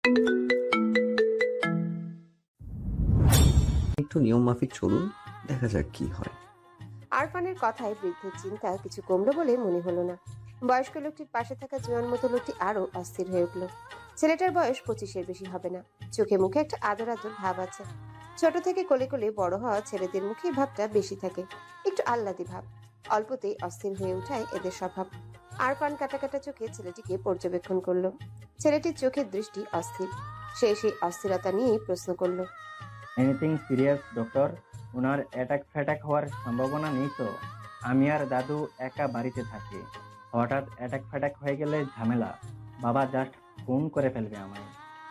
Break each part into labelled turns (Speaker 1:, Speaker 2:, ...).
Speaker 1: একটু নিয়ম মাফিক চলুন, দেখা যাক কি হয়।
Speaker 2: আরফানের কথায় বৃদ্ধের চিন্তা কিছু কমলো বলে মনে হলো না। বয়স্ক লোকটির পাশে থাকা জোয়ান মতো লোকটি আরো অস্থির হয়ে উঠল। ছেলেটার বয়স 25-এর বেশি হবে না। চোখে মুখে একটা আদর আদর ভাব আছে। ছোট থেকে কোলে কোলে বড় হওয়া ছেলেদের মুখে এই ভাবটা বেশি থাকে, একটু আহ্লাদি ভাব। অল্পতেই অস্থির হয়ে উঠায় এদের স্বভাব। আরফান কাটা কাটা চোখে ছেলেটিকে পর্যবেক্ষণ করলো। ছেলেটির চোখের দৃষ্টি অস্থির। সে সেই অস্থিরতা নিয়েই প্রশ্ন করলো।
Speaker 3: Anything serious doctor? ওনার অ্যাটাক ফ্যাটাক হওয়ার সম্ভাবনা নেই তো? আমি আর দাদু একা বাড়িতে থাকি, হঠাৎ অ্যাটাক ফ্যাটাক হয়ে গেলে ঝামেলা। বাবা জাস্ট খুন করে ফেলবে আমায়।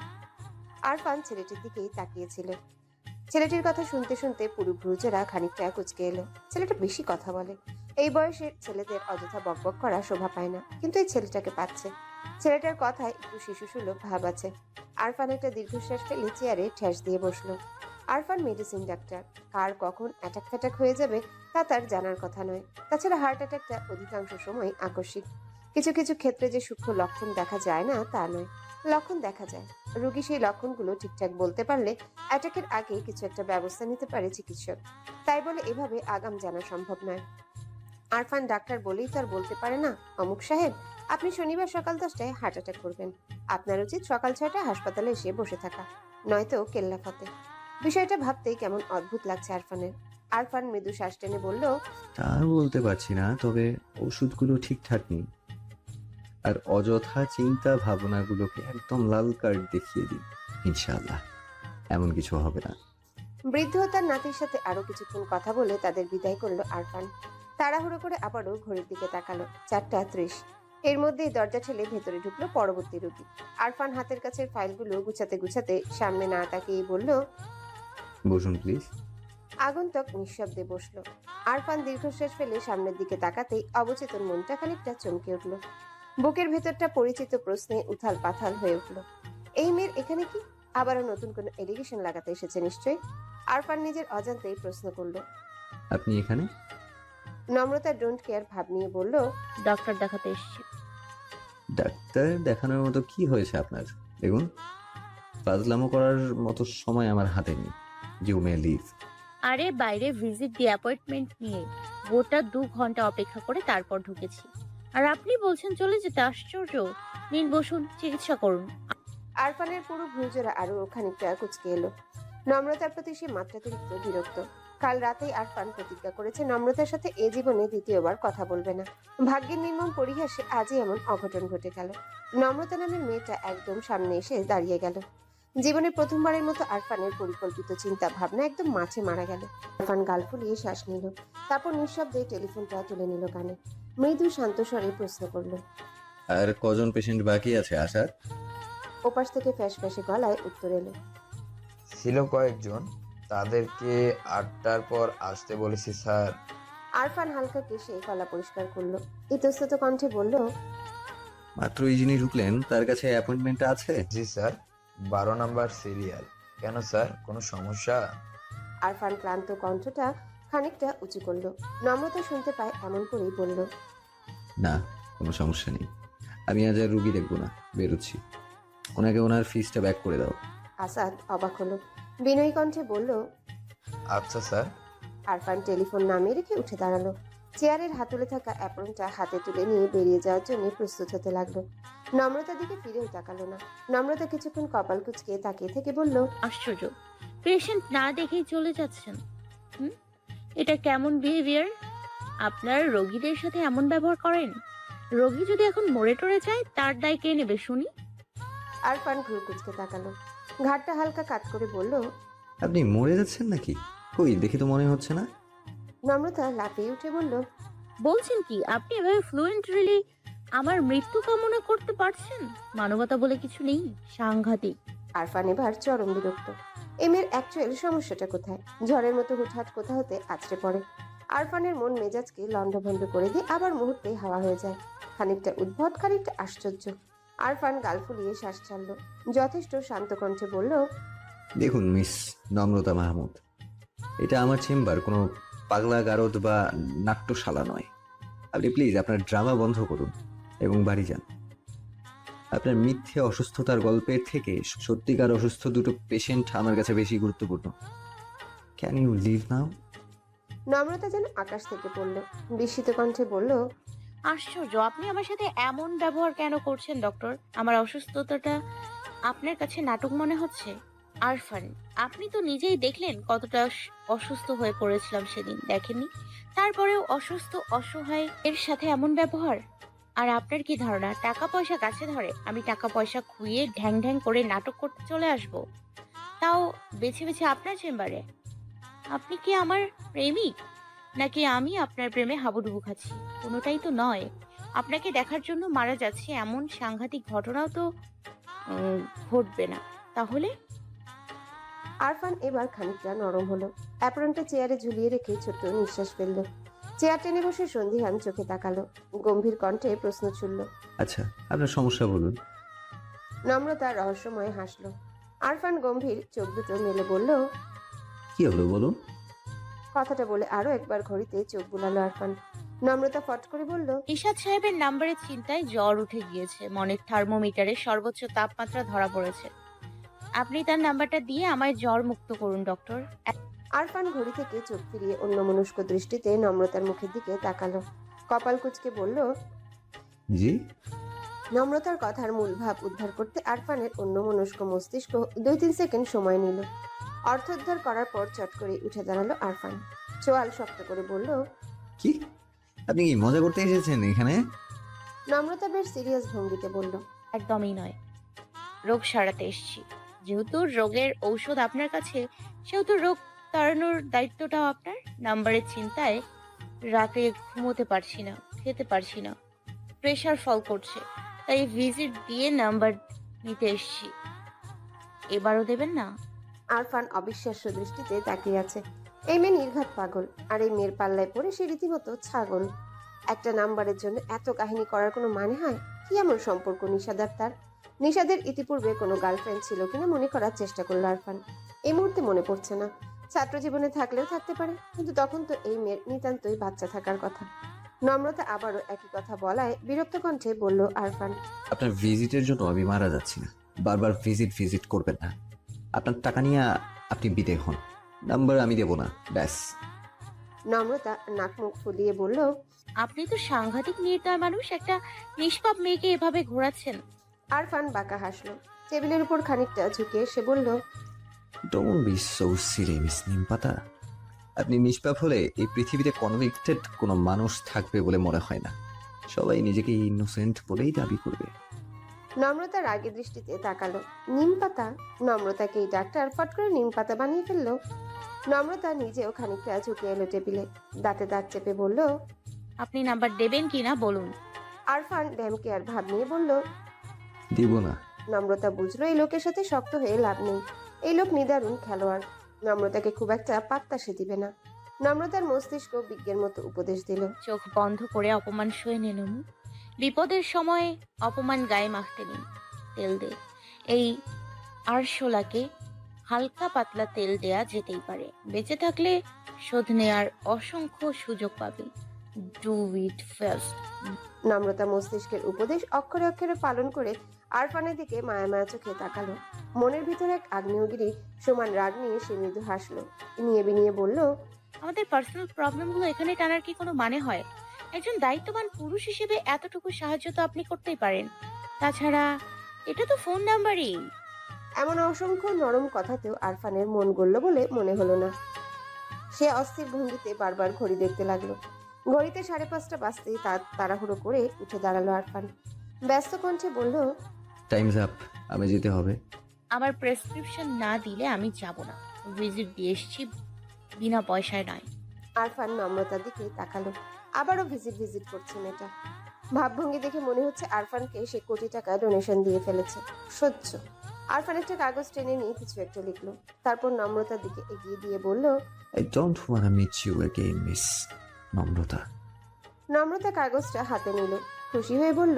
Speaker 2: আরফান ছেলেটির দিকেই তাকিয়েছিল। ছেলেটির কথা শুনতে শুনতে পুরো ভ্রুজেরা খানিকটা কুঁচকে এলো। ছেলেটা বেশি কথা বলে। এই বয়সের ছেলেদের অযথা বকবক করা শোভা পায় না, কিন্তু এই ছেলেটাকে পাচ্ছে। ছেলেটার কথায় একটু শিশুসুলভ ভাব আছে। আরফান একটা দীর্ঘশ্বাস ফেলে চেয়ারে ঠেস দিয়ে বসলো। Arfan medicine doctor. কার কখন অ্যাটাক ফ্যাটাক হয়ে যাবে তা তার জানার কথা নয়। তাছাড়া হার্ট অ্যাটাকটা অধিকাংশ সময় আকস্মিক। কিছু কিছু ক্ষেত্রে যে সূক্ষ্ম লক্ষণ দেখা যায় না তা নয়, লক্ষণ দেখা যায়। রোগী সেই লক্ষণগুলো ঠিকঠাক বলতে পারলে অ্যাটাকের আগে কিছু একটা ব্যবস্থা নিতে পারে চিকিৎসক। তাই বলে এভাবে আগাম জানা সম্ভব নয়। আরফান ডাক্তার বলেই তো আর বলতে পারে না, অমুক সাহেব আপনি শনিবার সকাল 10টায় হার্ট অ্যাটাক করবেন, আপনার উচিত সকাল 6টায় হাসপাতালে এসে বসে থাকা, নয়তো কেল্লা ফতে। বিষয়টা ভাবতেই কেমন অদ্ভুত লাগছে আরফানের। আরফান মৃদু শ্বাস টেনে বলল,
Speaker 1: তা বলতে পারছি না, তবে ওষুধগুলো ঠিকঠাক নেই। আর অযথা চিন্তা ভাবনাগুলোকে একদম লাল কার্ড দেখিয়ে দিন। ইনশাআল্লাহ এমন কিছু হবে না।
Speaker 2: বৃদ্ধ ও তার নাতির সাথে আরো কিছুক্ষণ কথা বলে তাদের বিদায় করলো আরফান। তাড়াহুড়ো করে আবারও ঘড়ির দিকে তাকালো, 4টা 30। এর মধ্যেই দরজা ঠেলে ভেতরে ঢুকলো পরবর্তী রোগী। আরফান হাতের কাছের ফাইলগুলো গুছাতে গুছাতে সামনে না তাকিয়ে বলল,
Speaker 1: বসুন প্লিজ।
Speaker 2: আগন্তুক নিঃশব্দে বসলো। আরফান দীর্ঘশ্বাস ফেলে সামনের দিকে তাকাতেই অবচেতন মনটা খানিকটা চমকে উঠল। বুকের ভেতরটা পরিচিত প্রশ্নে উথাল পাথাল হয়ে উঠল। এই মেয়ের এখানে কি? আবারও নতুন কোনো এলিগেশন লাগাতে এসেছে নিশ্চয়ই। আরফান নিজের অজান্তেই প্রশ্ন করলো।
Speaker 1: আপনি এখানে?
Speaker 2: নম্রতা ডোন্ট কেয়ার ভাব নিয়ে বলল,
Speaker 4: ডক্টর দেখাতে এসেছি।
Speaker 1: ডাক্তার দেখানোর মতো কি হয়েছে আপনার? দেখুন, ফাজলামো করার মতো সময় আমার হাতে নেই। You may leave.
Speaker 4: আরে বাইরে ভিজিট দিয়ে অ্যাপয়েন্টমেন্ট নিয়ে গোটা 2 ঘন্টা অপেক্ষা করে তারপর ঢুকেছি, আর আপনি বলছেন চলে যেতে? আশ্চর্য। নিন বসুন, চিকিৎসা করুন।
Speaker 2: আরফানের পুরো ভ্রুজোড়া আরো খানিকটা কুচকে এলো। নম্রতার প্রতি সে মাত্রাতিরিক্ত বিরক্ত। কাল রাতেই আরফান প্রতিজ্ঞা করেছে নম্রতার সাথে এ জীবনে দ্বিতীয়বার কথা বলবে না। ভাগ্যের নির্মম পরিহাসে আজই এমন অঘটন ঘটে গেল। নম্রতা নামের মেয়েটা একদম সামনে এসে দাঁড়িয়ে গেল। জীবনে প্রথমবারের মতো আরফানের পরিকল্পিত চিন্তা ভাবনা একদম মাঠে মারা গেল। আরফান গাল ফুলিয়ে শ্বাস নিল, তারপর নিঃশব্দে টেলিফোনটা তুলে নিল কানে। মৃদু শান্ত স্বরে প্রশ্ন করলো।
Speaker 1: আর কজন পেশেন্ট বাকি আছে আসার?
Speaker 2: ওপাশ থেকে ফ্যাস ফ্যাসে গলায় উত্তর এলো।
Speaker 5: ছিল কয়েকজন, তাদেরকে 8টার পর আসতে বলেছি স্যার।
Speaker 2: আরফান হালকা কেশে গলা পরিষ্কার করলো, ইতস্তত কণ্ঠে বলল,
Speaker 1: মাত্র এই যিনি ঢুকলেন তার কাছে অ্যাপয়েন্টমেন্ট আছে?
Speaker 5: জি স্যার, 12 নাম্বার সিরিয়াল। কেন স্যার, কোনো সমস্যা?
Speaker 2: আরফান ক্লান্ত কণ্ঠটা খানিকটা উঁচু করলো। নম্রতা শুনতে পায় এমন করেই বলল,
Speaker 1: না, কোনো সমস্যা নেই। আমি আজ আর রুগী দেখবো না, বেরোচ্ছি। ওনাকে ওনার ফিসটা ব্যাক করে দাও।
Speaker 2: আসাদ অবাক হলো, বিনয়ী কণ্ঠে বলল,
Speaker 5: আচ্ছা স্যার।
Speaker 2: আরফান টেলিফোন নামিয়ে রেখে উঠে দাঁড়ালো। চেয়ারের হাতলে থাকা অ্যাপ্রনটা হাতে তুলে নিয়ে বেরিয়ে যাওয়ার জন্য প্রস্তুত হতে লাগলো। নম্রতার দিকে ফিরেও তাকালো না। নম্রতা কিছুক্ষণ কপাল কুঁচকে তাকিয়ে থেকে বলল,
Speaker 4: আশ্চর্য, পেশেন্ট না দেখেই চলে যাচ্ছেন। হুম, এটা কেমন বিহেভিয়ার? আপনার রোগীদের সাথে এমন ব্যবহার করেন? রোগী যদি এখন মরে টরে যায় তার দায় কে নেবে শুনি?
Speaker 2: আরফান ভ্রু কুঁচকে তাকালো, ঘাটটা হালকা কাত করে বলল,
Speaker 1: আপনি মরে যাচ্ছেন নাকি? কই, দেখে তো মনে হচ্ছে না।
Speaker 2: নম্রতা লাফিয়ে উঠে বলল,
Speaker 4: বলছেন কি আপনি এভাবে ফ্লুয়েন্টলি আমার মৃত্যু কামনা করতে পারছেন? মানবতা বলে কিছু নেই? সাংঘাতিক।
Speaker 2: আরফান এবার চরম বিরক্ত। এমের অ্যাকচুয়াল সমস্যাটা কোথায়? ঝড়ের মতো হুটহাট কোথা হতে আছড়ে পড়ে। আরফানের মন মেজাজকে লণ্ডভণ্ড করে দিয়ে আবার মুহূর্তে হাওয়া হয়ে যায়। খানিকটা উদ্ভট, খানিকটা আশ্চর্য। আরফান গাল ফুলিয়ে শ্বাস ছাড়ল, যথেষ্ট শান্ত কণ্ঠে বলল,
Speaker 1: দেখুন মিস নম্রতা মাহমুদ, এটা আমার চেম্বার, কোনো পাগলা গারদ বা নাট্যশালা নয়। আপনি প্লিজ আপনার ড্রামা বন্ধ করুন এবং বাড়ি যান। আপনার মিথ্যে অসুস্থতার গল্পের থেকে সত্যিকার অসুস্থ দুটো পেশেন্ট আমার কাছে বেশি গুরুত্বপূর্ণ। Can you leave now?
Speaker 2: Namrata যেন আকাশ থেকে পড়ল, বিস্মিত কণ্ঠে বলল,
Speaker 4: আশ্চর্য, আপনি আমার সাথে এমন ব্যবহার কেন করছেন ডক্টর? আমার অসুস্থতাটা আপনার কাছে নাটক মনে হচ্ছে? আরফান, আপনি তো নিজেই দেখলেন কতটা অসুস্থ হয়ে পড়েছিলাম সেদিন, দেখেননি? তারপরেও অসুস্থ অসহায় এর সাথে এমন ব্যবহার। আর আপনার কি ধারণা টাকা পয়সা কাছে ধরে আমি টাকা পয়সা খুইয়ে ঢ্যাং ঢ্যাং করে নাটক করতে চলে আসব? তাও বেছে বেছে আপনার চেম্বারে। আপনি কি আমার প্রেমিক, নাকি আমি আপনার প্রেমে হাবুডুবু খাচ্ছি? কোনোটাই তো নয়। আপনাকে দেখার জন্য মারা যাচ্ছে এমন সাংঘাতিক ঘটনাও তো ঘটবে না। তাহলে
Speaker 2: আরফান এবার খানিকটা নরম হলো। অ্যাপ্রনটা চেয়ারে ঝুলিয়ে রেখে ছোট্ট নিঃশ্বাস ফেলল। চেয়ার টেনে বসে সন্ধিহান চোখে তাকালো, গম্ভীর কণ্ঠে প্রশ্ন ছুড়ল।
Speaker 1: আচ্ছা, আপনার সমস্যা বলুন।
Speaker 2: নম্রতা রহস্যময় হাসল। আরফান গম্ভীর চোখ দুটো মেলে বলল,
Speaker 1: কি হলো বলুন?
Speaker 2: কথাটা বলে আরো একবার ঘড়িতে চোখ বুলালো আরফান। নম্রতা ফট করে বলল,
Speaker 4: ইশাদ সাহেবের নাম্বারের চিন্তায় জ্বর উঠে গিয়েছে, মনের থার্মোমিটারে সর্বোচ্চ তাপমাত্রা ধরা পড়েছে। আপনি তার নাম্বারটা দিয়ে আমায় জ্বর মুক্ত করুন ডক্টর।
Speaker 2: আরফান ঘড়ি থেকে চোখ ফিরিয়ে অন্যমনস্ক দৃষ্টিতে নম্রতার মুখের দিকে তাকালো। কপাল কুঁচকে বলল,
Speaker 1: জি?
Speaker 2: নম্রতার কথার মূল ভাব উদ্ধার করতে আরফানের অন্যমনস্ক মস্তিষ্ক 2-3 সেকেন্ড সময় নিল। অর্থোদ্ধার করার পর চট করে উঠে দাঁড়ালো আরফান। চোয়াল শক্ত করে বলল,
Speaker 1: কি? আপনি কি মজা করতে এসেছেন এখানে?
Speaker 2: নম্রতা বেশ সিরিয়াস ভঙ্গিতে বলল,
Speaker 4: একদমই নয়, রোগ সারাতে এসেছি। যেহেতু রোগের ঔষধ আপনার কাছে, সেহেতু রোগ তাড়ানোর দায়িত্বটাও আপনার। নাম্বারের চিন্তায় রাতে ঘুমোতে পারছি না, খেতে পারছি না, প্রেশার ফল করছে, তাই ভিজিট দিয়ে নাম্বার নিতে এসেছি। এবারও দেবেন না?
Speaker 2: আরফান অবিশ্বাস্য দৃষ্টিতে তাকিয়ে আছে। এই মেয়ে নির্ঘাত পাগল, আর এই মেয়ের পাল্লায় পড়ে সে রীতিমতো ছাগল। একটা নাম্বারের জন্য এত কাহিনী করার কোনো মানে হয়? কি এমন সম্পর্ক নিষাদার তার? নিষাদের ইতিপূর্বে কোনো গার্লফ্রেন্ড ছিল কিনা মনে করার চেষ্টা করলো আরফান। এই মুহূর্তে মনে পড়ছে না। ছাত্র জীবনে থাকলেও থাকতে পারে, কিন্তু তখন তো এই মেয়ের নিতান্তই বাচ্চা থাকার কথা। নম্রতা আবারও একই কথা বলায় বিরক্ত কণ্ঠে বলল আরফান,
Speaker 1: আপনার ভিজিটের জন্য আমি মারা যাচ্ছি না। বারবার ভিজিট করবেন না। আপনার টাকা নিয়ে আপনি বিদে হন। নাম্বার আমি দেবো না, ব্যাস।
Speaker 2: নম্রতা নাক মুখ ফুলিয়ে বলল,
Speaker 4: আপনি তো সাংঘাতিক নির্দয় মানুষ, একটা নিষ্পাপ মেয়েকে এভাবে ঘোরাচ্ছেন।
Speaker 2: আরফান বাঁকা হাসলো। টেবিলের উপর খানিকটা ঝুঁকে সে বলল,
Speaker 1: ডোন্ট বি সো সিরিয়াস নিমপাতা। আপনি নিষ্পাপ হলে এই পৃথিবীতে কনভিক্টেড কোনো মানুষ থাকবে বলে মনে হয় না। সবাই নিজেকে ইনোসেন্ট বলেই দাবি করবে।
Speaker 2: নম্রতা রাগী দৃষ্টিতে তাকালো। নিম পাতা? নম্রতাকেই ডাক্তার ফট করে নিম পাতা বানিয়ে ফেললো। নম্রতা নিজেও খানিকটা ঝুঁকে এলো টেবিলে, দাঁতে দাঁত চেপে বলল,
Speaker 4: আপনি নাম্বার দেবেন কিনা বলুন।
Speaker 2: আরফান ড্যামকে আর ভাব নিয়ে বলল,
Speaker 1: দিব না।
Speaker 2: নম্রতা বুঝলো এই লোকের সাথে শক্ত হয়ে লাভ নেই। এই লোক নিদারুণ খেলোয়াড়, নম্রতাকে খুব একটা পাত্তা সে দিবে না। নম্রতার মস্তিষ্ক বিজ্ঞের মতো উপদেশ দিল,
Speaker 4: চোখ বন্ধ করে অপমান সয়ে নিন। বিপদের সময় অপমান গায়ে মাখতে নিন, তেল দে। এই আরশোলাকে হালকা পাতলা তেল দেয়া যেতেই পারে। বেঁচে থাকলে শোধ নেয়ার অসংখ্য সুযোগ পাবে। Do it first.
Speaker 2: নম্রতা মস্তিষ্কের উপদেশ অক্ষরে অক্ষরে পালন করে আরফানের দিকে মায়া মায়া চোখে তাকালো। মনের ভিতরে এক আগ্নেয়গিরি সমান রাগ নিয়ে সে মৃদু হাসলো, নিয়ে বিনিয়ে বলল,
Speaker 4: আমাদের পার্সোনাল প্রবলেমগুলো এখানে টানার কি কোনো মানে হয়? একজন দায়িত্ববান পুরুষ হিসেবে এতটুকু সাহায্য তো আপনি করতেই পারেন। তাছাড়া এটা তো ফোন নাম্বারই।
Speaker 2: এমন অসংখ্য নরম কথাতেও আরফানের মন গলল বলে মনে হলো না। সে অস্থির ভঙ্গিতে বারবার ঘড়ি দেখতে লাগলো। ঘড়িতে 5:30 বাজতেই তাড়াহুড়ো করে উঠে দাঁড়ালো আরফান। ব্যস্ত কণ্ঠে বলল,
Speaker 1: টাইমস আপ, আমি যেতে হবে।
Speaker 4: আমার প্রেসক্রিপশন না দিলে আমি যাব না। ভিজিট দিয়ে এসছি, বিনা পয়সায় নয়।
Speaker 2: আরফান নম্রতার দিকে তাকালো। আবারও ভিজিট করছে মেয়েটা। ভাবভঙ্গি দেখে মনে হচ্ছে আরফানকে সে কোটি টাকা ডোনেশন দিয়ে ফেলেছে। সহ্য। আরফান একটা কাগজ টেনে নিয়ে কিছু একটা লিখলো, তারপর নম্রতার দিকে এগিয়ে দিয়ে বলল,
Speaker 1: I don't want meet you again miss Namrata.
Speaker 2: Namrata কাগজটা হাতে নিল, খুশি হয়ে বলল,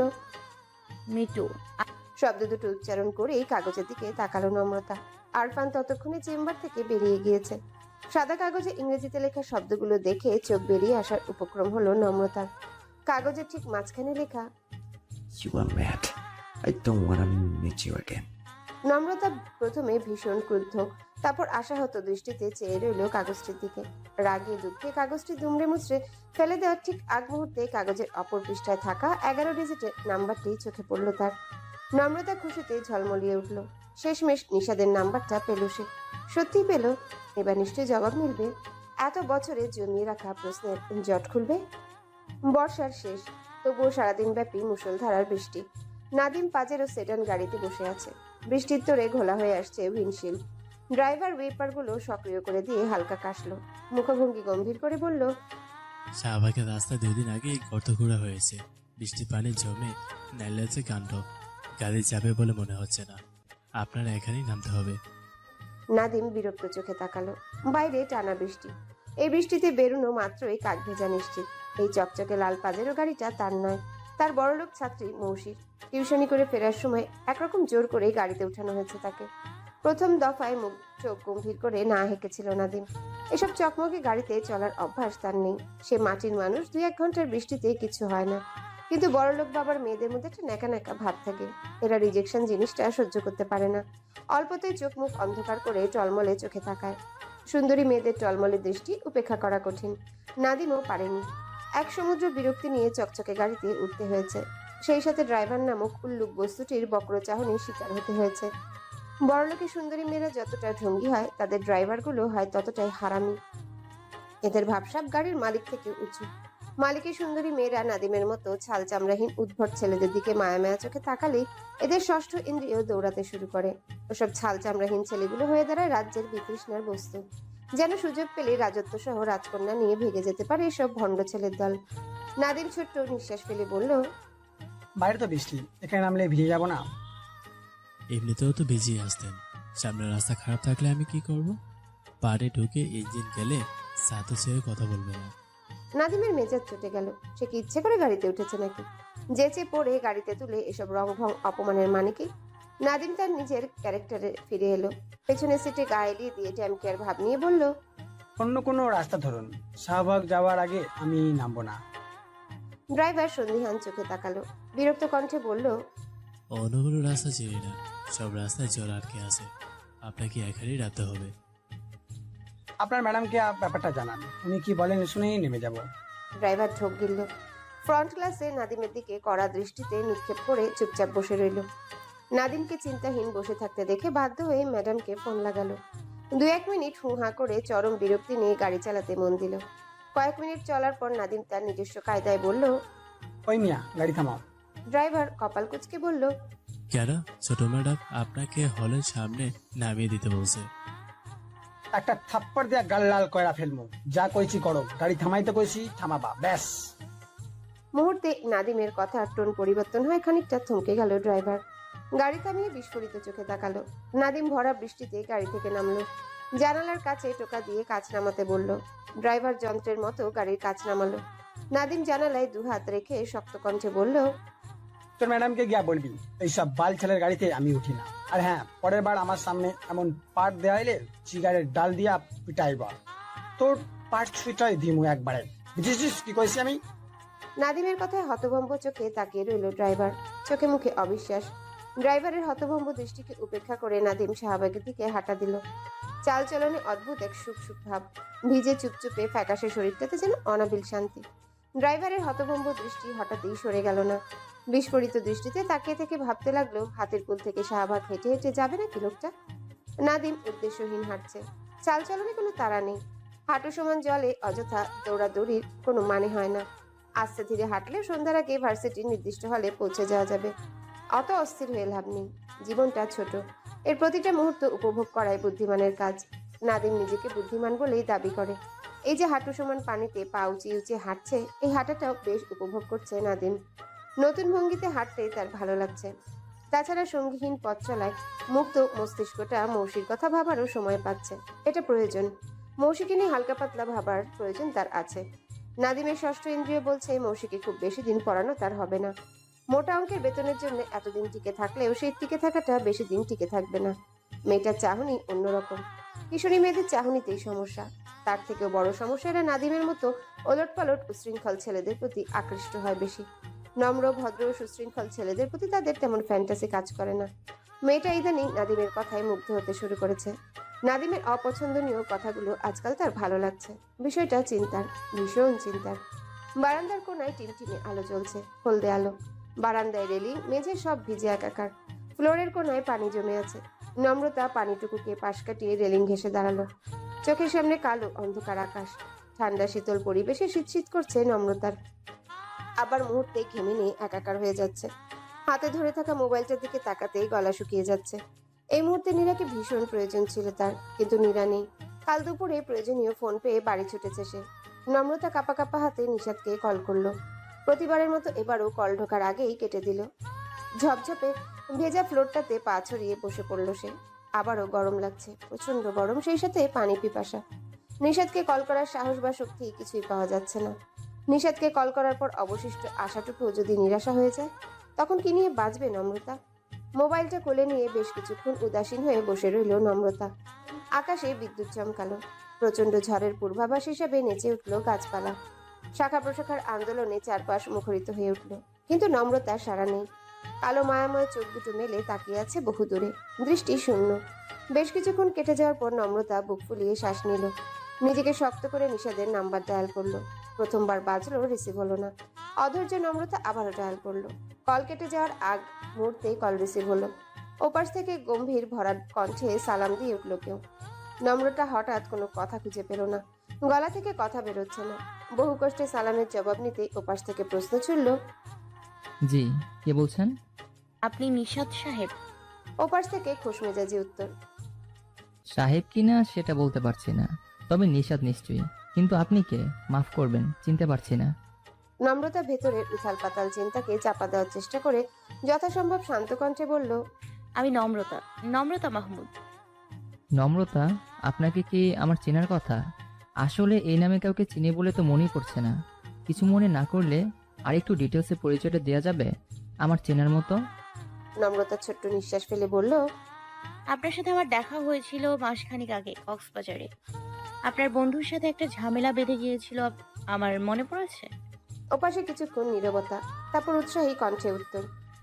Speaker 4: মিটু।
Speaker 2: শব্দ দুটো উচ্চারণ করেই কাগজের দিকে তাকালো নম্রতা। আরফান ততক্ষণে চেম্বার থেকে বেরিয়ে গিয়েছে। সাদা কাগজে ইংরেজিতে লেখা শব্দগুলো দেখে চোখ বেরিয়ে আসার উপক্রম হলো নম্রতার। কাগজের ঠিক মাঝখানে লেখা,
Speaker 1: you are mad. I don't wanna meet you again.
Speaker 2: নম্রতা প্রথমে ভীষণ ক্রুদ্ধ, তারপর আশাহত দৃষ্টিতে চেয়ে রইল কাগজটির দিকে। রাগে দুঃখে কাগজটি দুমড়ে মুচড়ে ফেলে দেওয়ার ঠিক আগ মুহূর্তে কাগজের অপর পৃষ্ঠায় থাকা 11 ডিজিটের নাম্বারটি চোখে পড়ল তার। নম্রতা খুশিতে ঝলমলিয়ে উঠল। শেষমেশ নিশাদের নাম্বারটা পেল সে। সত্যিই পেল। এবার নিশ্চয়ই জবাব মিলবে। এত বছরে জমিয়ে রাখা প্রশ্নের জট খুলবে। বর্ষার শেষ, তবুও সারাদিন ব্যাপী মুষলধারার বৃষ্টি। নাদিম পাজেরো সেডান গাড়িতে বসে আছে। বৃষ্টির তোড়ে ঘোলা হয়ে আসছে উইন্ডশিল্ড। ড্রাইভার ওয়েপারগুলো সক্রিয় করে দিয়ে হালকা কাশলো। মুখভঙ্গি গম্ভীর করে বলল,
Speaker 6: শাহবাগের রাস্তা 2 দিন আগে গর্ত খোঁড়া হয়েছে। বৃষ্টির পানি জমে নাইলেছে কাণ্ড। গাড়ি যাবে বলে মনে হচ্ছে না। আপনার এখানেই নামতে হবে।
Speaker 2: নাদিম বিরক্ত চোখে তাকালো। বাইরে টানা বৃষ্টি। এই বৃষ্টিতে বেরুনো মাত্রই কাক ভেজা নিশ্চিত। এই চকচকে লাল পাজেরো গাড়িটা তার নয়, তার বড়লোক ছাত্রী মৌসির। টিউশনি করে ফেরার সময় একরকম জোর করেই গাড়িতে উঠানো হয়েছে তাকে। প্রথম দফায় মুখ চোখ গম্ভীর করে না হেঁকেছিল নাদিম। এসব চকমকে গাড়িতে চলার অভ্যাস তার নেই। সে মাটির মানুষ, 2-1 ঘন্টার বৃষ্টিতে কিছু হয় না। কিন্তু বড়লোক বাবার মেয়েদের মধ্যে একটা ন্যাকা ন্যাকা ভাব থাকে। এরা রিজেকশন জিনিসটা সহ্য করতে পারে না। অল্পতেই চোখ মুখ অন্ধকার করে টলমলে চোখে তাকায়। সুন্দরী মেয়েদের টলমলে দৃষ্টি উপেক্ষা করা কঠিন। নাদিমও পারেনি। এক সমুদ্র বিরক্তি নিয়ে চকচকে গাড়িতে উঠতে হয়েছে। সেই সাথে ড্রাইভার নামক উল্লুক বস্তুটির বক্রচাহনির শিকার হতে হয়েছে। বড়লোকের সুন্দরী মেয়েরা যতটা ঢঙ্গি হয়, তাদের ড্রাইভারগুলো হয় ততটাই হারামি। এদের ভাবসাব গাড়ির মালিক থেকে উঁচু। মালিকের সুন্দরী মেয়েরা নাদিমের মতো ছাল চামড়াহীন উদ্ভট ছেলেদের দিকে মায়া মায়া চোখে তাকালেই এদের ষষ্ঠ ইন্দ্রিয় দৌড়াতে শুরু করে। ওসব ছাল চামড়াহীন ছেলেগুলো হয়ে দাঁড়ায় রাজ্যের বিতৃষ্ণার বস্তু। যেন সুযোগ পেলে রাজত্ব সহ রাজকন্যা নিয়ে ভেগে যেতে পারে এসব ভণ্ড ছেলের দল। নাদিম ছোট্ট নিঃশ্বাস ফেলে বলল,
Speaker 7: বাইরে তো বৃষ্টি, এখানে নামলে ভিজে যাব না?
Speaker 6: এমনিতেও তো ভিজিয়ে আসতেন। সামনের রাস্তা খারাপ থাকলে আমি কি করব? পাড়ে ঢুকে ইঞ্জিন গেলে সাথে ছেড়ে কথা বলবে না।
Speaker 2: নাদিমের মেজাজ চটে গেল। সে কি ইচ্ছে করে গাড়িতে উঠেছে নাকি? যেচে পড়ে গাড়িতে তুলে এসব রং ভং অপমানের মানে কি? নাদিম তার নিজের ক্যারেক্টারে ফিরে এলো। পেছনের সিটে গা এলিয়ে দিয়ে ড্যামকেয়ার ভাব নিয়ে বলল,
Speaker 7: অন্য কোনো রাস্তা ধরুন, শাহবাগ যাওয়ার আগে আমি নামবো না।
Speaker 2: ড্রাইভার সন্দিহান চোখে তাকালো। বিরক্ত কণ্ঠে বলল,
Speaker 6: অন্য কোনো রাস্তা চিনি না। সব রাস্তায় জল আটকে আছে। আপনাকে এখানেই রাখতে হবে।
Speaker 7: আপনার ম্যাডামকে ব্যাপারটা জানান, উনি কি বলেন শুনেই নেমে যাব।
Speaker 2: ড্রাইভার ঢোক গিলল। ফ্রন্ট ক্লাসে নাদিমের দিকে কড়া দৃষ্টিতে নিক্ষেপ করে চুপচাপ বসে রইল। নাদিমকে চিন্তাহীন বসে থাকতে দেখে বাধ্য হয়ে ম্যাডামকে ফোন লাগালো। 2-1 মিনিট হু হা করে চরম বিরক্তি নিয়ে গাড়ি চালাতে মন দিল। কয়েক মিনিট চলার পর নাদিম তার নিজস্ব কায়দায় বলল,
Speaker 7: ওই মিয়া, গাড়ি থামাও।
Speaker 2: ড্রাইভার কপাল কুঁচকে বলল,
Speaker 6: কেন ছোট ম্যাডাম আপনাকে হলের সামনে নামিয়ে দিতে বলছে?
Speaker 7: একটা থাপ্পড় দিয়া গাল লাল কয়রা ফেলবো। যা কইছি করো, গাড়ি থামাইতে কইছি থামাবা, ব্যাস।
Speaker 2: মুহূর্তে নাদিমের কথার টোন পরিবর্তন হয়, খানিকটা থমকে গেল ড্রাইভার। গাড়ি থামিয়ে বিস্ফোরিত চোখে তাকালো। নাদিম ভরা বৃষ্টিতে গাড়ি থেকে নামলো। জানালার কাছে টোকা দিয়ে কাঁচ নামাতে বলল। ড্রাইভার যন্ত্রের মতো গাড়ির কাঁচ নামালো। নাদিম জানালায় 2 হাত রেখে শক্ত কণ্ঠে বলল,
Speaker 7: তোর ম্যাডামকে গিয়া বলবি এইসব বাল ছেলের গাড়িতে আমি উঠি না। আর হ্যাঁ, পরের বার আমার সামনে এমন পাট দেওয়াইলে চিগারের ডাল দিয়া পিটাইবা। তোর পাট ছুঁটাই দিমু একবারে, বুঝেছিস কি কইছি আমি?
Speaker 2: নাদিমের কথায় হতভম্ব চোখে তাকিয়ে রইল ড্রাইভার। চোখে মুখে অবিশ্বাস। ড্রাইভারের হতভম্ব দৃষ্টিকে উপেক্ষা করে নাদিম শাহবাগের দিকে হাঁটা দিল। চালচলনে অদ্ভুত এক সুখ সুখ ভাব। ভিজে চুপচুপে ফ্যাকাশে শরীরটাতে যেন অনাবিল শান্তি। ড্রাইভারের হতভম্ব দৃষ্টি হঠাৎই সরে গেল না। বিস্ফোরিত দৃষ্টিতে তাকিয়ে থেকে ভাবতে লাগলো, হাতের পুল থেকে শাহবাগ হেঁটে হেঁটে যাবে নাকি লোকটা? নাদিম উদ্দেশ্যহীন হাঁটছে। চালচলনে কোনো তাড়া নেই। হাঁটু সমান জলে অযথা দৌড়াদৌড়ির কোনো মানে হয় না। আস্তে ধীরে হাঁটলে সন্ধ্যার আগে ভার্সিটির নির্দিষ্ট হলে পৌঁছে যাওয়া যাবে। অত অস্থির হয়ে লাভ নেই। জীবনটা ছোট, এর প্রতিটা মুহূর্ত উপভোগ করাই বুদ্ধিমানের কাজ। নাদিম নিজেকে বুদ্ধিমান বলেই দাবি করে। এই যে হাঁটু সমান পানিতে পা উঁচিয়ে উঁচিয়ে হাঁটছে, এই হাঁটাটাও বেশ উপভোগ করছে নাদিম। নতুন ভঙ্গিতে হাঁটতে তার ভালো লাগছে। তাছাড়া সঙ্গীহীন পথ চলায় মুক্ত মস্তিষ্কটা মৌসির কথা ভাবারও সময় পাচ্ছে। এটা প্রয়োজন। মৌসিকে নিয়ে হালকা পাতলা ভাবার প্রয়োজন তার আছে। নাদিমের ষষ্ঠ ইন্দ্রিয় বলছে মৌসিকে খুব বেশি দিন পড়ানো তার হবে না। মোটা অঙ্কের বেতনের জন্য এতদিন টিকে থাকলেও সেই টিকে থাকাটা বেশি দিন টিকে থাকবে না। মেয়েটার চাহনি অন্যরকম। কিশোরী মেয়েদের চাহনিতেই সমস্যা। তার থেকেও বড় সমস্যা, এরা নাদিমের মতো ওলটপালট উশৃঙ্খল ছেলেদের প্রতি আকৃষ্ট হয় বেশি। নম্র, ভদ্র, সুশৃঙ্খল ছেলেদের প্রতি তাদের তেমন ফ্যান্টাসি কাজ করে না। মেয়েটা ইদানিং নাদিমের কথায় মুগ্ধ হতে শুরু করেছে। নাদিমের অপছন্দনীয় কথাগুলো আজকাল তার ভালো লাগছে। বিষয়টা চিন্তার, ভীষণ চিন্তার। বারান্দার কোনায় টিমটিমে আলো জ্বলছে, হলদে আলো। বারান্দায় রেলিং, মেঝে সব ভিজে একাকার। ফ্লোরের কোনায় পানি জমে আছে। নম্রতা পানিটুকুকে পাশ কাটিয়ে রেলিং ঘেঁষে দাঁড়ালো। চোখের সামনে কালো অন্ধকার আকাশ। ঠান্ডা শীতল পরিবেশে শীত করছে নম্রতার। আবার মুহূর্তে ঘেমে নিয়ে একাকার হয়ে যাচ্ছে। হাতে ধরে থাকা মোবাইলটার দিকে তাকাতেই গলা শুকিয়ে যাচ্ছে। এই মুহূর্তে নীরাকে ভীষণ প্রয়োজন ছিল তার, কিন্তু নীরা নেই। কাল দুপুরে প্রয়োজনীয় ফোন পেয়ে বাড়ি ছুটেছে সে। নম্রতা কাঁপা কাঁপা হাতে নিশাদকে কল করলো। প্রতিবারের মতো এবারও কল ঢোকার আগেই কেটে দিল। ঝপঝপে ভেজা ফ্লোরটাতে পা ছড়িয়ে বসে পড়ল সে। আবারও গরম লাগছে, প্রচন্ড গরম, সেই সাথে পানি পিপাসা। নিশাদকে কল করার সাহস বা শক্তি কিছুই পাওয়া যাচ্ছে না। নিশাদকে কল করার পর অবশিষ্ট আশাটুকু যদি নিরাশা হয়ে যায়, তখন কি নিয়ে বাঁচবে নম্রতা? মোবাইলটা কোলে নিয়ে বেশ কিছুক্ষণ উদাসীন হয়ে বসে রইল নম্রতা। আকাশে বিদ্যুৎ চমকালো। প্রচন্ড ঝড়ের পূর্বাভাস হিসাবে নেচে উঠল গাছপালা। শাখা প্রশাখার আন্দোলনে চারপাশ মুখরিত হয়ে উঠল, কিন্তু নম্রতার সাড়া নেই। কালো মায়াময় চোখ দুটো মেলে তাকিয়ে আছে বহু দূরে, দৃষ্টি শূন্য। বেশ কিছুক্ষণ কেটে যাওয়ার পর নম্রতা বুক ফুলিয়ে শ্বাস নিল। নিজেকে শক্ত করে নিশাদের নাম্বার ডায়াল করলো। প্রথমবার বাজলো, রিসিভ হলো না। অধৈর্য নম্রতা আবারও ডায়াল করলো। কল কেটে যাওয়ার আগ মুহূর্তেই কল রিসিভ হলো। ওপাশ থেকে গম্ভীর ভরা কণ্ঠে সালাম দিয়ে উঠল কেউ। নম্রতা হঠাৎ কোনো কথা খুঁজে পেল না। গলা থেকে কথা বেরোচ্ছে না। বহু কষ্টে সালামের জবাব নিতেই ওপাশ থেকে প্রশ্ন ছুড়ল,
Speaker 8: জি, কে বলছেন?
Speaker 4: আপনি নিশাদ সাহেব?
Speaker 2: ওপাশ থেকে খুশমেজাজি উত্তর,
Speaker 8: সাহেব কিনা সেটা বলতে পারছি না, তবে নিশাদ নিশ্চয়ই। কিন্তু আপনি কে? মাফ করবেন, চিনতে পারছি না।
Speaker 2: নম্রতা ভেতরের উথাল পাতাল চিন্তাকে চাপা দেওয়ার চেষ্টা করে যথাসম্ভব শান্ত কণ্ঠে বলল,
Speaker 4: আমি নম্রতা, নম্রতা মাহমুদ।
Speaker 8: নম্রতা? আপনাকে কি আমার চেনার কথা? আসলে এই নামে কাউকে চিনি বলে তো মনেই পড়ছে না। কিছু মনে না করলে আর একটু ডিটেলসে পরিচয়টা দেওয়া যাবে আমার চেনার মতো?
Speaker 2: নম্রতা ছোট্ট নিঃশ্বাস ফেলে বলল,
Speaker 4: আপনার সাথে আমার দেখা হয়েছিল মাসখানেক আগে কক্সবাজারে। আপনার বন্ধুর সাথে একটা ঝামেলা বেঁধে গিয়েছিল, আমার মনে পড়েছে।
Speaker 2: ওপাশে কিছুক্ষণ নীরবতা, তারপর উৎসাহী কণ্ঠে উত্তর,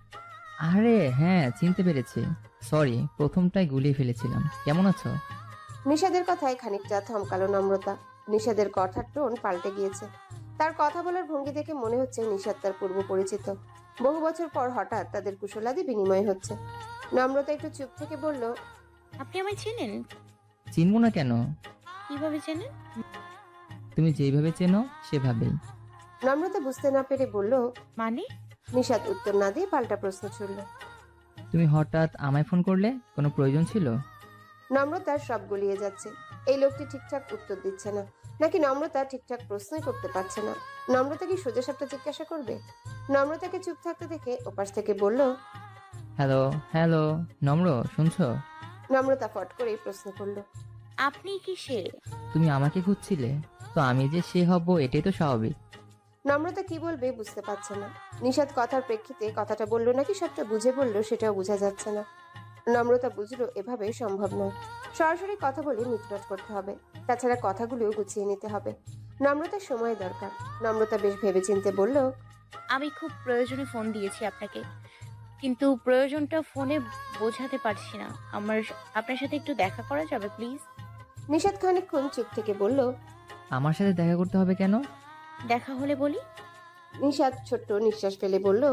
Speaker 8: আরে হ্যাঁ, চিনতে পেরেছি। সরি, প্রথমটাই গুলিয়ে ফেলেছিলাম। কেমন আছো?
Speaker 2: নিষাদের কথায় খানিকটা থমকালো নম্রতা। নিষাদের কথার টোন পাল্টে গিয়েছে। তার কথা বলার ভঙ্গি দেখে মনে হচ্ছে নিষাদ তার পূর্ব পরিচিত। বহু বছর পর হঠাৎ তাদের কুশলাদি বিনিময় হচ্ছে। নম্রতা একটু চুপ থেকে বলল,
Speaker 4: আপনি আমায় চেনেন?
Speaker 8: চিনবো না কেন?
Speaker 4: কিভাবে চেনেন?
Speaker 8: তুমি যেভাবে চেনো সেভাবেই।
Speaker 2: নম্রতা বুঝতে না পেরে বলল,
Speaker 4: মানে?
Speaker 2: নিষাদ উত্তর না দিয়ে পাল্টা প্রশ্ন ছুড়ল।
Speaker 8: তুমি হঠাৎ আমায় ফোন করলে, কোনো প্রয়োজন ছিল?
Speaker 2: নম্রতার সব গলিয়ে যাচ্ছে। এই লোকটি ঠিকঠাক উত্তর দিচ্ছে না, নাকি নম্রতা ঠিকঠাক প্রশ্নই করতে পারছে না। নম্রতা কি সোজা সাপটা জিজ্ঞাসা করবে? নম্রতাকে চুপ থাকতে দেখে ওপাশ থেকে বলল,
Speaker 8: হ্যালো হ্যালো, নম্র শুনছো?
Speaker 2: নম্রতা ফট করেই প্রশ্ন করলো,
Speaker 4: আপনি কি সে?
Speaker 8: তুমি আমাকে খুঁজছিলে, তো আমি যে সে হব এটাই তো স্বাভাবিক।
Speaker 2: নম্রতা কি বলবে বুঝতে পারছে না। নিষাদ কথার প্রেক্ষিতে কথাটা বললো নাকি সবটা বুঝে বললো সেটাও বোঝা যাচ্ছে না। নম্রতা বুঝলো এভাবে সম্ভব নয়। সরাসরি কথা বলে মিটমাট করতে হবে, তাছাড়া কথাগুলোও গুছিয়ে নিতে হবে। নম্রতার সময় দরকার। নম্রতা বেশ ভেবেচিন্তে বলল,
Speaker 4: আমি খুব প্রয়োজনে ফোন দিয়েছি আপনাকে, কিন্তু প্রয়োজনটা ফোনে বোঝাতে পারছি না। আপনার সাথে একটু দেখা করা যাবে প্লিজ?
Speaker 2: নিষাদ খানিকক্ষণ চুপ থেকে বলল,
Speaker 8: আমার সাথে দেখা করতে হবে কেন?
Speaker 4: দেখা হলে বলি।
Speaker 2: নিষাদ ছোট্ট নিঃশ্বাস ফেলে বলল,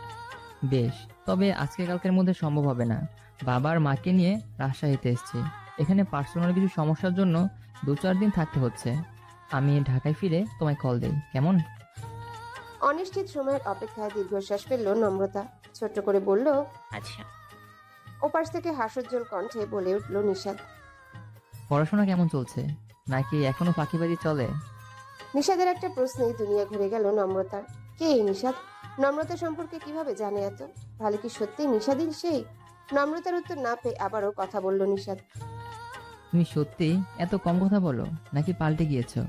Speaker 8: বেশ, তবে আজকে কালকের মধ্যে সম্ভব হবে না। বাবা আর মাকে নিয়ে রাজশাহীতে এসেছি। এখানে পার্সোনাল কিছু সমস্যার জন্য 2-4 দিন থাকতে হচ্ছে। আমি ঢাকায় ফিরে তোমায় কল দেই, কেমন?
Speaker 2: অনিশ্চিত সময়ের অপেক্ষায় দীর্ঘশ্বাস ফেলল নম্রতা। ছোট্ট করে বলল,
Speaker 4: আচ্ছা।
Speaker 2: ওপাশ থেকে হাস্যোজ্জ্বল কণ্ঠে বলে উঠল নিষাদ।
Speaker 8: পড়াশোনা কেমন চলছে, নাকি এখনো ফাঁকিবাজি চলে?
Speaker 2: নিষাদের একটা প্রশ্নেই দুনিয়া ঘুরে গেল নম্রতার। কে এই নিষাদ? নম্রতা সম্পর্কে কিভাবে জানে এত? তাহলে কি সত্যি নিষাদই সেই? নম্রতার উত্তর না পেয়ে আবারও কথা বলল নিষাদ।
Speaker 8: তুমি সত্যি এত কম কথা বলো, নাকি পাল্টে গিয়েছো?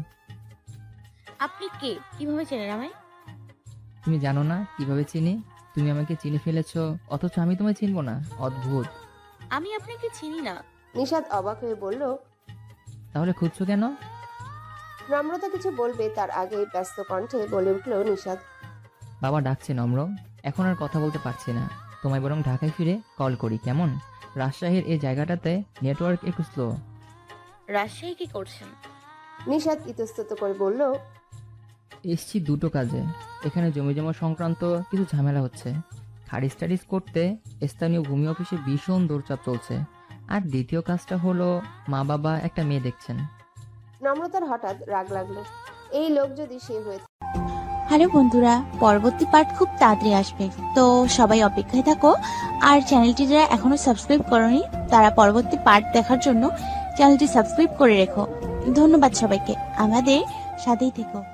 Speaker 4: আপনি কে? কিভাবে চেনেন আমায়?
Speaker 8: তুমি জানো না কিভাবে চিনি? তুমি আমাকে চিনে ফেলেছো, অথচ আমি তোমায় চিনবো না? অদ্ভুত।
Speaker 4: আমি আপনাকে চিনি না।
Speaker 2: নিষাদ অবাক হয়ে বলল।
Speaker 8: তাহলে খুঁজছো কেন?
Speaker 2: নম্রতা কিছু বলবে তার আগে ব্যস্ত কণ্ঠে বলে উঠল নিষাদ।
Speaker 8: বাবা ডাকছে নম্র, এখন আর কথা বলতে পারছি না। তোমায় বরং ঢাকায় ফিরে কল করি, কেমন? রাজশাহীর এই জায়গাটাতে নেটওয়ার্ক একটু স্লো।
Speaker 4: রাজশাহী কি করছেন?
Speaker 2: নিশাদ ইতস্তত করে বলল,
Speaker 8: এসছি দুটো কাজে। এখানে জমি জমা সংক্রান্ত কিছু ঝামেলা হচ্ছে, খারিজ টারিজ করতে স্থানীয় ভূমি অফিসে ভীষণ দৌড়চাপ চলছে। আর দ্বিতীয় কাজটা হলো মা বাবা একটা মেয়ে দেখছেন।
Speaker 2: নম্রতার হঠাৎ রাগ লাগলো। এই লোক যদি সে হয়ে
Speaker 9: হ্যালো বন্ধুরা, পরবর্তী পার্ট খুব তাড়াতাড়ি আসবে, তো সবাই অপেক্ষায় থাকো। আর চ্যানেলটি যারা এখনো সাবস্ক্রাইব করনি তারা পরবর্তী পার্ট দেখার জন্য চ্যানেলটি সাবস্ক্রাইব করে রেখো। ধন্যবাদ সবাইকে, আমাদের সাথেই থেকো।